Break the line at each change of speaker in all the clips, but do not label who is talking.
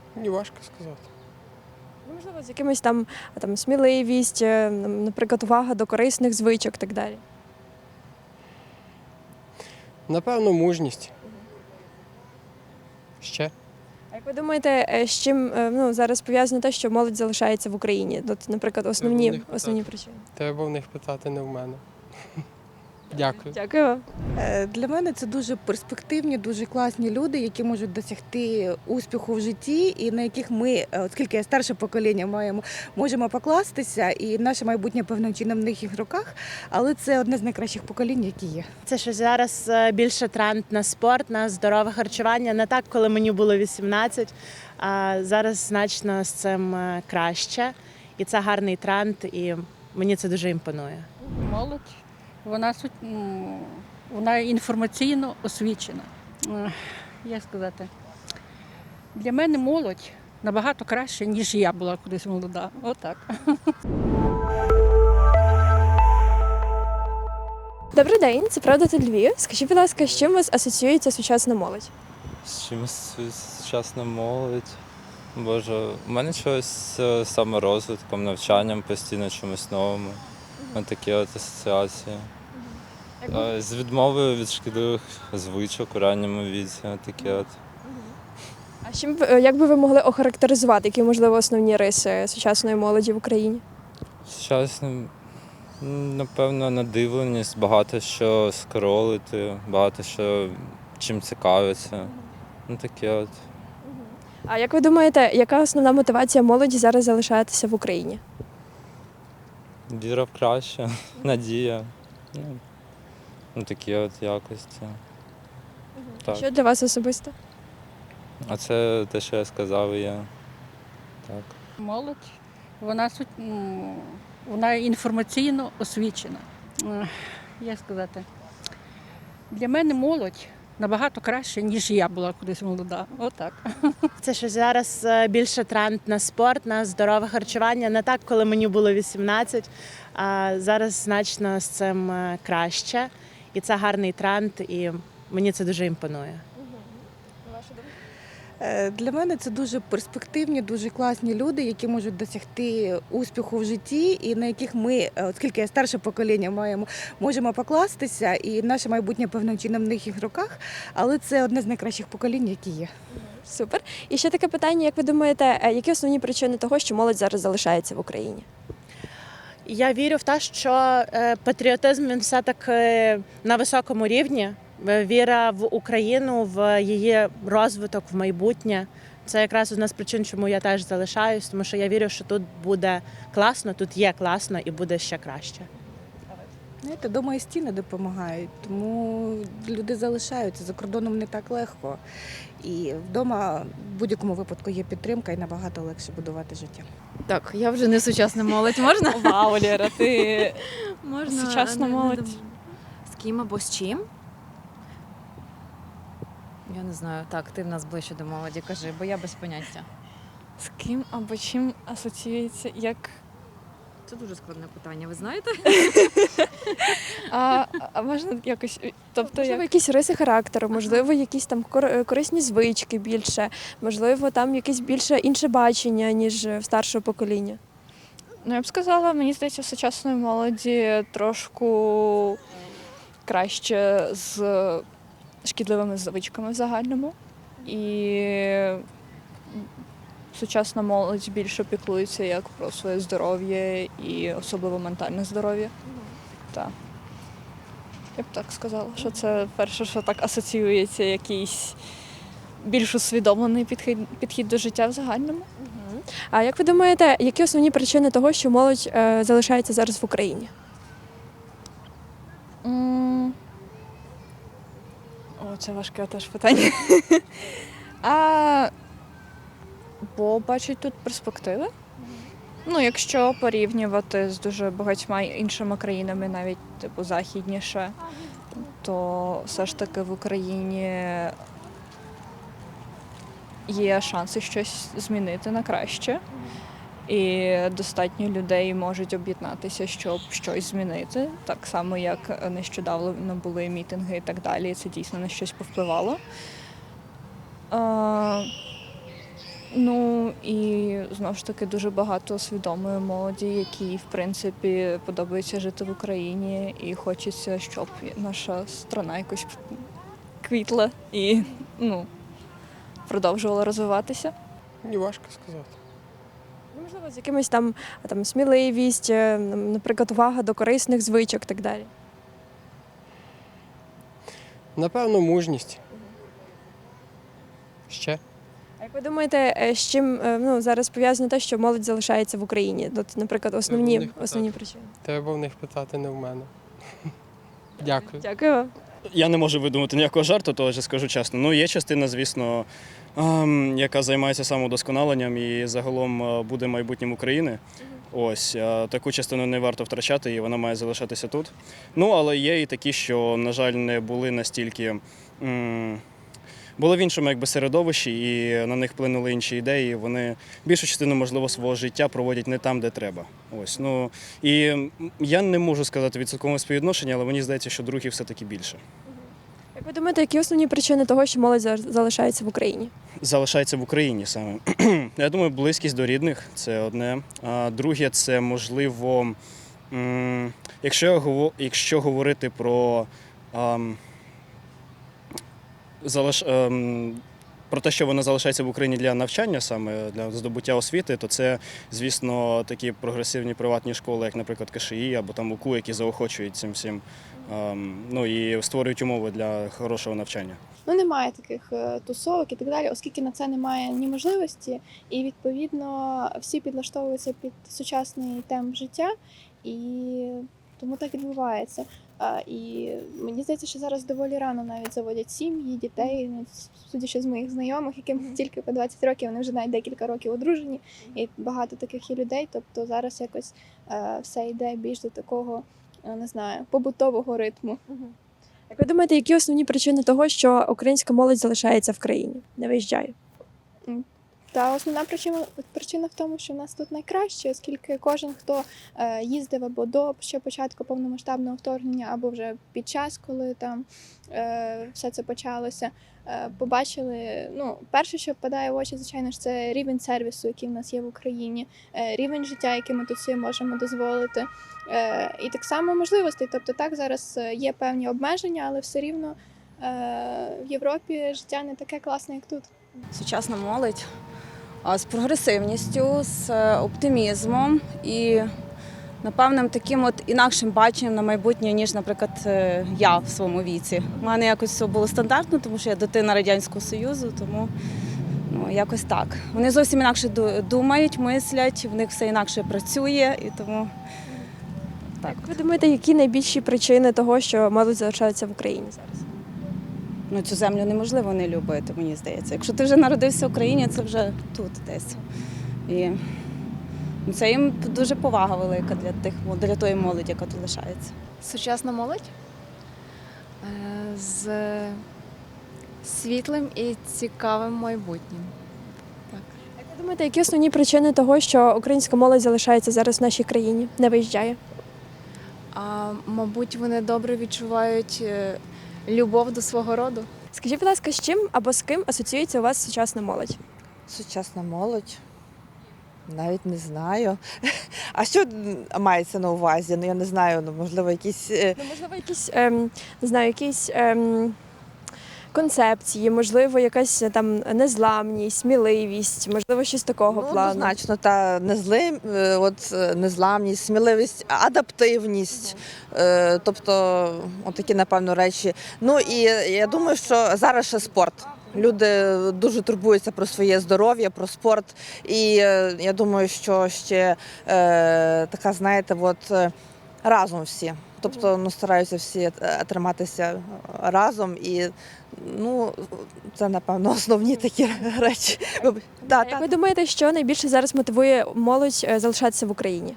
Мені важко сказати.
Ну, можливо, з якимось там сміливість, наприклад, увага до корисних звичок і так далі.
Напевно, мужність. Ще?
А як ви думаєте, з чим зараз пов'язано те, що молодь залишається в Україні? От, наприклад, основні причини.
Треба в них питати, не в мене. Дякую.
Дякую вам.
Для мене це дуже перспективні, дуже класні люди, які можуть досягти успіху в житті, і на яких ми, оскільки я старше покоління, можемо покластися, і наше майбутнє певним чином в їх руках. Але це одне з найкращих поколінь, які є.
Це що зараз більше тренд на спорт, на здорове харчування. Не так, коли мені було 18, а зараз значно з цим краще. І це гарний тренд, і мені це дуже імпонує.
Молодь, вона інформаційно освічена. Як сказати, для мене молодь набагато краще, ніж я була колись молода. Отак.
Добрий день, це «Правда та Львів». Скажіть, будь ласка, з чим у вас асоціюється сучасна молодь?
З чимось сучасна молодь. Боже, у мене щось з саморозвитком, навчанням постійно чомусь новому. Ось такі от асоціації. З відмовою від шкідливих звичок у ранньому віці. Такі от.
А як би ви могли охарактеризувати, які, можливо, основні риси сучасної молоді в Україні?
Сучасним, напевно, надивленість, багато що скролити, багато що чим цікавиться. Такі от.
А як ви думаєте, яка основна мотивація молоді зараз залишатися в Україні?
Віра в краще, надія. Такі от якості. Так.
Що для вас особисто?
А це те, що я сказав, і я. Так.
Молодь, вона інформаційно освічена. Як сказати, для мене молодь набагато краще, ніж я була колись молода. Отак.
Це що зараз більше тренд на спорт, на здорове харчування. Не так, коли мені було 18, а зараз значно з цим краще. І це гарний тренд, і мені це дуже імпонує.
Для мене це дуже перспективні, дуже класні люди, які можуть досягти успіху в житті, і на яких ми, оскільки я старше покоління, можемо покластися, і наше майбутнє певним чином в їх руках. Але це одне з найкращих поколінь, які є.
Супер. І ще таке питання, як ви думаєте, які основні причини того, що молодь зараз залишається в Україні?
Я вірю в те, що патріотизм він все-таки на високому рівні. Віра в Україну, в її розвиток, в майбутнє. Це якраз одна з причин, чому я теж залишаюсь, тому що я вірю, що тут буде класно, тут є класно і буде ще краще.
Знаєте, дома і стіни допомагають, тому люди залишаються. За кордоном не так легко. І вдома в будь-якому випадку є підтримка і набагато легше будувати життя.
Так, я вже не сучасна молодь, можна?
Вау, Лєра, ти
Можна
сучасна молодь.
З ким або з чим? Я не знаю. Так, ти в нас ближче до молоді, кажи, бо я без поняття.
З ким або чим асоціюється як.
Це дуже складне питання, ви знаєте?
А можна якось. Тобто,
Можливо, якісь риси характеру, можливо, якісь там корисні звички більше, можливо, там якесь більше інше бачення, ніж в старшого покоління.
Ну, я б сказала, мені здається, в сучасної молоді трошку краще з шкідливими звичками в загальному. І сучасна молодь більше піклується як про своє здоров'я і особливо ментальне здоров'я. Так. Я б так сказала, що це перше, що так асоціюється, якийсь більш усвідомлений підхід до життя в загальному.
А як ви думаєте, які основні причини того, що молодь залишається зараз в Україні?
О, це важке теж питання. Бо бачать тут перспективи. Ну, якщо порівнювати з дуже багатьма іншими країнами, навіть типу західніше, то все ж таки в Україні є шанси щось змінити на краще. І достатньо людей можуть об'єднатися, щоб щось змінити. Так само, як нещодавно були мітинги і так далі. Це дійсно на щось повпливало. Ну і знову ж таки дуже багато свідомої молоді, якій в принципі подобається жити в Україні, і хочеться, щоб наша страна якось квітла і продовжувала розвиватися.
Мені важко сказати.
Ну, можливо, з якимось там сміливість, наприклад, увага до корисних звичок і так далі.
Напевно, мужність. Ще?
А як ви думаєте, з чим зараз пов'язано те, що молодь залишається в Україні? От, наприклад, основні причини.
Треба в них питати, не в мене. Дякую.
Дякую вам.
Я не можу видумати ніякого жарту, то вже скажу чесно. Ну, є частина, звісно, яка займається самовдосконаленням і загалом буде майбутнім України. Ось таку частину не варто втрачати, і вона має залишатися тут. Ну, але є і такі, що, на жаль, не були настільки. Були в іншому середовищі, і на них вплинули інші ідеї. Вони більшу частину, можливо, свого життя проводять не там, де треба. Ось, і я не можу сказати відсоткове співвідношення, але мені здається, що других все-таки більше.
Як ви думаєте, які основні причини того, що молодь залишається в Україні?
Залишається в Україні саме. Я думаю, близькість до рідних – це одне. А друге – це, можливо, якщо говорити про про те, що вона залишається в Україні для навчання, саме для здобуття освіти, то це, звісно, такі прогресивні приватні школи, як, наприклад, КШІ або там УКУ, які заохочують цим всім, і створюють умови для хорошого навчання.
Немає таких тусовок і так далі, оскільки на це немає ні можливості, і відповідно всі підлаштовуються під сучасний темп життя, і тому так відбувається. І мені здається, що зараз доволі рано навіть заводять сім'ї, дітей, судячи з моїх знайомих, яким тільки по 20 років, вони вже навіть декілька років одружені, і багато таких є людей, тобто зараз якось все йде більш до такого, не знаю, побутового ритму.
Як ви думаєте, які основні причини того, що українська молодь залишається в країні, не виїжджає?
Та основна причина в тому, що в нас тут найкраще, оскільки кожен, хто їздив або до ще початку повномасштабного вторгнення, або вже під час, коли там все це почалося, побачили, перше, що впадає в очі, звичайно ж, це рівень сервісу, який в нас є в Україні, рівень життя, який ми тут собі можемо дозволити, і так само можливостей. Тобто так, зараз є певні обмеження, але все рівно в Європі життя не таке класне, як тут.
Сучасна молодь з прогресивністю, з оптимізмом і, напевним, таким інакшим баченням на майбутнє, ніж, наприклад, я в своєму віці. У мене якось все було стандартно, тому що я дитина Радянського Союзу, тому якось так. Вони зовсім інакше думають, мислять, в них все інакше працює, і тому так.
Як ви думаєте, які найбільші причини того, що молодь залишається в Україні зараз?
Цю землю неможливо не любити, мені здається. Якщо ти вже народився в Україні, це вже тут десь. І це їм дуже повага велика для тої молоді, яка тут лишається.
Сучасна молодь з світлим і цікавим майбутнім. Так.
Як ви думаєте, які основні причини того, що українська молодь залишається зараз в нашій країні, не виїжджає?
Мабуть, вони добре відчувають любов до свого роду.
Скажіть, будь ласка, з чим або з ким асоціюється у вас сучасна молодь?
Сучасна молодь? Навіть не знаю. А що мається на увазі? Я не знаю, можливо, якісь...
Можливо, якісь концепції, можливо, якась там незламність, сміливість, можливо, щось такого плану.
Однозначно, незламність, сміливість, адаптивність, тобто такі, напевно, речі. І я думаю, що зараз ще спорт. Люди дуже турбуються про своє здоров'я, про спорт. І я думаю, що ще така, знаєте, разом всі. Тобто стараються всі триматися разом і це, напевно, основні такі речі.
Як ви думаєте, що найбільше зараз мотивує молодь залишатися в Україні?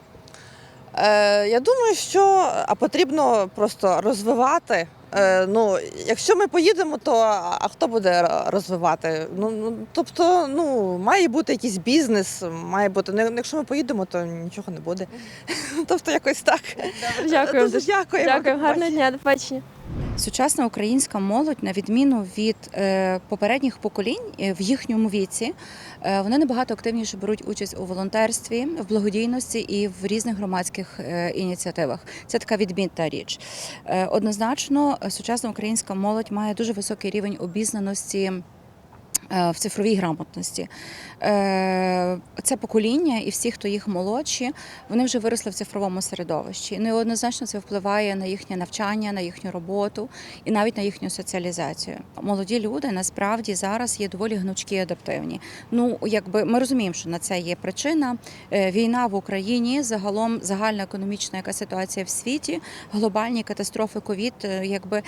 Я думаю, що потрібно просто розвивати. Якщо ми поїдемо, то хто буде розвивати? Тобто, має бути якийсь бізнес, має бути. Якщо ми поїдемо, то нічого не буде. Тобто якось так.
Добре, дякую.
Дуже дякую.
Дякую, гарного дня, до побачення.
Сучасна українська молодь, на відміну від попередніх поколінь в їхньому віці, вони набагато активніше беруть участь у волонтерстві, в благодійності і в різних громадських ініціативах. Це така відмінна річ. Однозначно, сучасна українська молодь має дуже високий рівень обізнаності в цифровій грамотності. Це покоління і всі, хто їх молодші, вони вже виросли в цифровому середовищі. Ну і однозначно це впливає на їхнє навчання, на їхню роботу і навіть на їхню соціалізацію. Молоді люди насправді зараз є доволі гнучкі і адаптивні. Ну, якби ми розуміємо, що на це є причина. Війна в Україні, загалом загальна економічна яка ситуація в світі, глобальні катастрофи, ковід, якби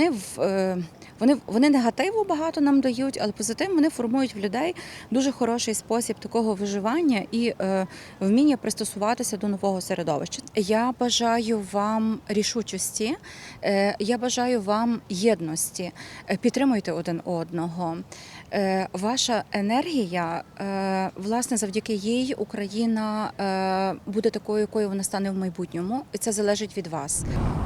вони негативу багато нам дають, але позитив вони формують в людей дуже хороший спосіб такого виживання і вміння пристосуватися до нового середовища. Я бажаю вам рішучості, я бажаю вам єдності, підтримуйте один одного. Ваша енергія, власне, завдяки їй Україна буде такою, якою вона стане в майбутньому, і це залежить від вас.